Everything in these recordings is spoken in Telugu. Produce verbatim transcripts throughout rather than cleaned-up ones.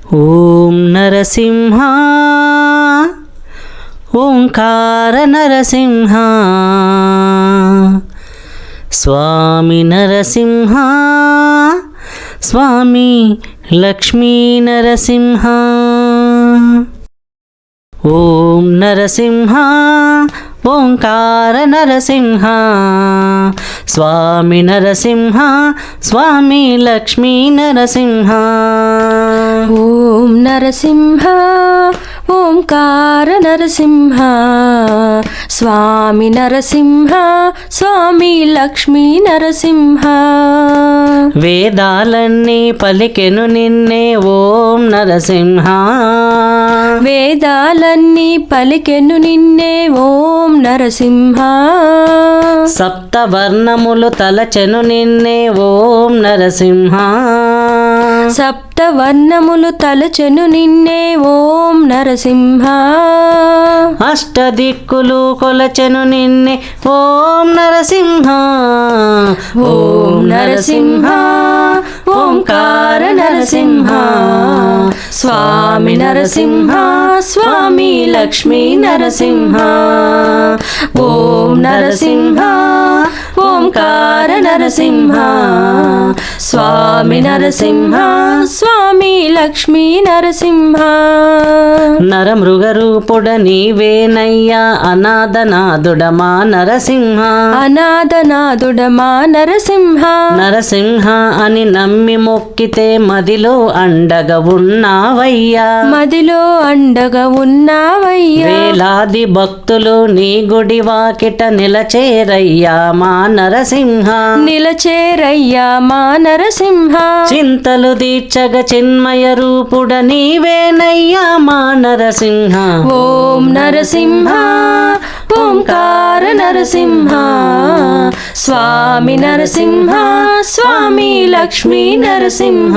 ఓం నరసింహ ఓంకార నరసింహ స్వామి నరసింహ స్వామి లక్ష్మీ నరసింహ. ఓం నరసింహ ఓంకార నరసింహ స్వామి నరసింహ స్వామి లక్ష్మీ నరసింహ. ఓం నరసింహ ఓంకార నరసింహ స్వామి నరసింహ స్వామి లక్ష్మీ నరసింహ. వేదాలన్నీ పలికెను నిన్నే ఓం నరసింహ. వేదాలన్నీ పలికెను నిన్నే ఓం నరసింహ. సప్తవర్ణములు తలచెను నిన్నే ఓం నరసింహ. సప్తవర్ణములు తలచెను నిన్నే ఓం నరసింహ. అష్టదిక్కులు కొలచెను నిన్నే ఓం నరసింహ. ఓం నరసింహ ఓంకార నరసింహ స్వామి నరసింహ స్వామి లక్ష్మీ నరసింహ. ఓం నరసింహ ఓంకార నరసింహ స్వామి నరసింహ స్వామి లక్ష్మీ నరసింహ. నరమృగరూపుడ నీవేనయ్యా అనాథనాథుడమా నరసింహ. అనాథనాథుడమా నరసింహ. నరసింహ అని నమ్మి మొక్కితే మదిలో అండగా ఉన్నావయ్యా. మదిలో అండగా ఉన్నావయ్యా. వేలాది భక్తులు నీ గుడి వాకిట నిలచేరయ్యా మా నరసింహ. నిలచేరయ్యా మా నరసింహ. చింతలు దీర్చగ చిన్మయ రూపుడ నీవేనయ్యా మా నరసింహ. ఓం నరసింహ ఓంకార నరసింహ స్వామి నరసింహ స్వామి లక్ష్మీ నరసింహ.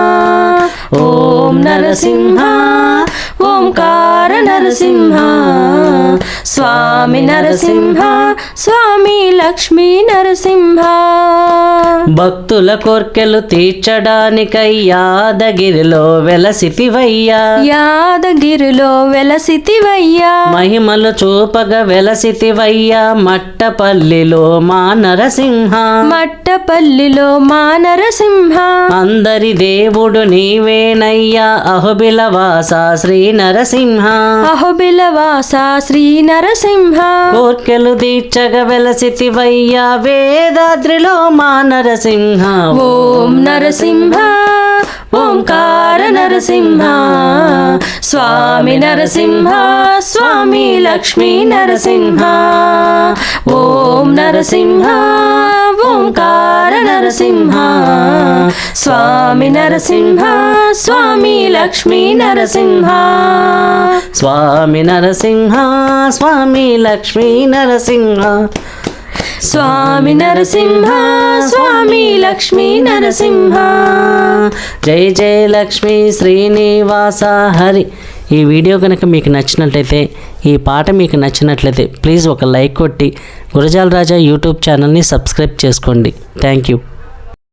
ఓం నరసింహ ఓంకార నరసింహ స్వామి నరసింహ స్వామి లక్ష్మీ నరసింహ. భక్తుల కోర్కెలు తీర్చడానికై యాదగిరిలో వెలసితివయ్యా. యాదగిరిలో వెలసితివయ్యా. మహిమలు చూపగ వెలసితివయ్యా మట్టపల్లిలో మా నరసింహ. మట్టపల్లిలో మా నరసింహ. అందరి దేవుడు నీవేనయ్యా అహోబిలవాస శ్రీ నరసింహ. అహోబిలవాస శ్రీ నరసింహ. కోర్కెలు దీర్చగ వెలసితివయ్యా వేదాద్రిలో మా నరసింహ. ఓం నరసింహ ఓంకార నరసింహ స్వామి నరసింహ స్వామి లక్ష్మీ నరసింహ. ఓం నరసింహ ఓంకార నరసింహ స్వామి నరసింహ స్వామి లక్ష్మీ నరసింహ. స్వామి నరసింహ స్వామి లక్ష్మీ నరసింహ. స్వామి నరసింహ స్వామి లక్ష్మీ నరసింహ. జై జై లక్ష్మీ శ్రీనివాస హరి. ఈ వీడియో కనుక మీకు నచ్చినట్లయితే, ఈ పాట మీకు నచ్చినట్లయితే ప్లీజ్ ఒక లైక్ కొట్టి గురజాల రాజా యూట్యూబ్ ఛానల్ని సబ్స్క్రైబ్ చేసుకోండి. Thank you.